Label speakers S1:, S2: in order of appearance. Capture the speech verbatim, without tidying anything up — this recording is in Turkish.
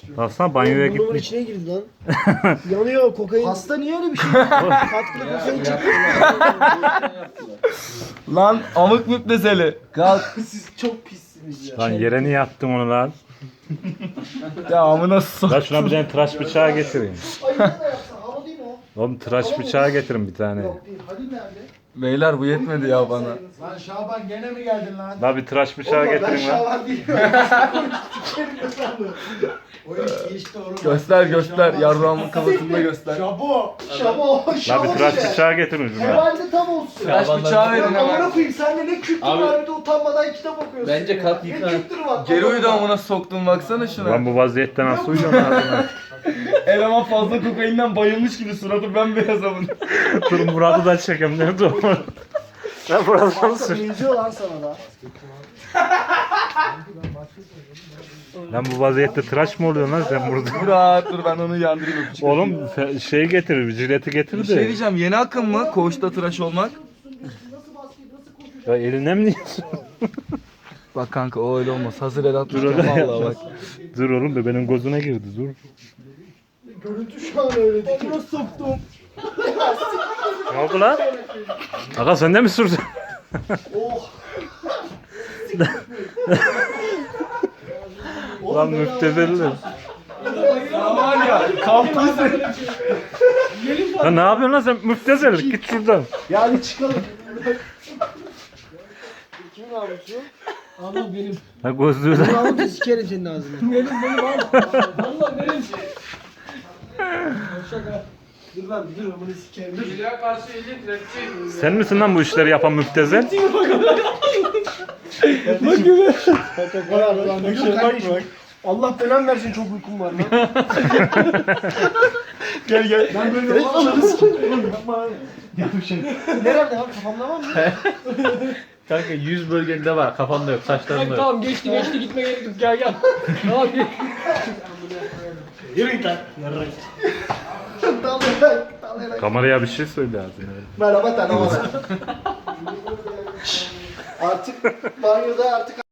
S1: Baksana banyoya
S2: Burnumun
S1: gitmiş.
S2: içine girdi lan. Yanıyor kokain. Hasta niye öyle bir şey? Katkılı kokain çekiyor.
S3: Lan amık müptezeli. Kalk.
S2: Siz çok pissiniz ya.
S1: Lan yere niye attın onu lan?
S3: Ya amına sok.
S1: Lan şuna bir tane tıraş bıçağı getireyim.
S2: Ay ne de yapsa hava değil mi o?
S1: Oğlum tıraş bıçağı getirin bir tane.
S2: Yok değil. Halil nerede?
S3: Beyler bu yetmedi ya bana.
S4: Lan Şaban gene mi geldin lan?
S1: Lan bir tıraş bıçağı
S2: Oğlum ben
S1: getirin lan.
S2: şalan değilim. Sikerim de sandım.
S4: O iş geçti oğlum.
S3: Göster göster. Yarrağımın kafasında göster.
S4: Şabo.
S2: Şamo,
S1: Lan
S2: şamo
S1: bir tıraş
S2: işte.
S1: bıçağı getirin şuna.
S2: Herhalde tam olsun.
S3: Tıraş bıçağı verin
S2: Amına
S3: hemen.
S2: koyayım sen de ne kültür
S5: Abi-
S2: var bir de utanmadan kitap okuyorsun.
S5: Bence
S2: ya.
S5: kalk
S2: Ne
S5: yıka.
S2: kültürü var?
S3: Geri
S2: Allah'ım.
S3: uydu amına soktum baksana şuna.
S1: Lan bu vaziyette nasıl uyuyorsun ağzına?
S3: Eleman fazla kokainden bayılmış gibi suratı bembeyaz amına.
S1: Dur Murat'ı da çekeyim. Nerede o? Sen burada mısın?
S2: Benziyor lan sana da.
S1: Lan bu vaziyette tıraş mı oluyorsun lan sen burada?
S3: Murat dur ben onu yandırayım öpücük.
S1: Oğlum fe- şey getir, jileti getir
S3: Bir şey
S1: de.
S3: diyeceğim, yeni akım mı koğuşta tıraş olmak?
S1: Ya eline mi yiyorsun?
S3: Bak kanka o öyle olmaz. Hazır el
S1: Dur
S3: atmayacağım
S1: öyle
S3: vallahi bak.
S1: Dur oğlum be benim gözüne girdi dur.
S2: Görüntü şu an öyle değil. Amına soktum.
S1: Ne oldu lan? Aga sen de mi sürdün?
S2: Oh.
S1: Lan müptezelli.
S3: Ya var ya kampüsü.
S1: Lan ne yapıyorsun lan sen müptezellik git şuradan.
S2: Yani çıkalım. Kimin namusu? Ama benim.
S1: Ha gözlüğü de.
S2: Namusu sikerim senin ağzını. Benim benim abi. Valla benim. Şaka. Dur lan dur bunu sikerim. Dur.
S1: Sen misin lan bu işleri yapan müptezel?
S2: Bak gibi. Bakın kardeşim. Allah belanı versin çok uykum var lan.
S1: Gel gel.
S2: Ben böyle olmaz. Yapma. Nerede abi kafamda var mı?
S5: Kanka yüz bölgende var, kafanda yok, saçlarında yok.
S6: Tamam geçti geçti gitme gerek yok gel gel. Tamam gel.
S2: Yürü git lan. Dalayarak, dalayarak.
S1: Kameraya bir şey söyle ağzına.
S2: Merhaba tanımalar. Artık banyoda artık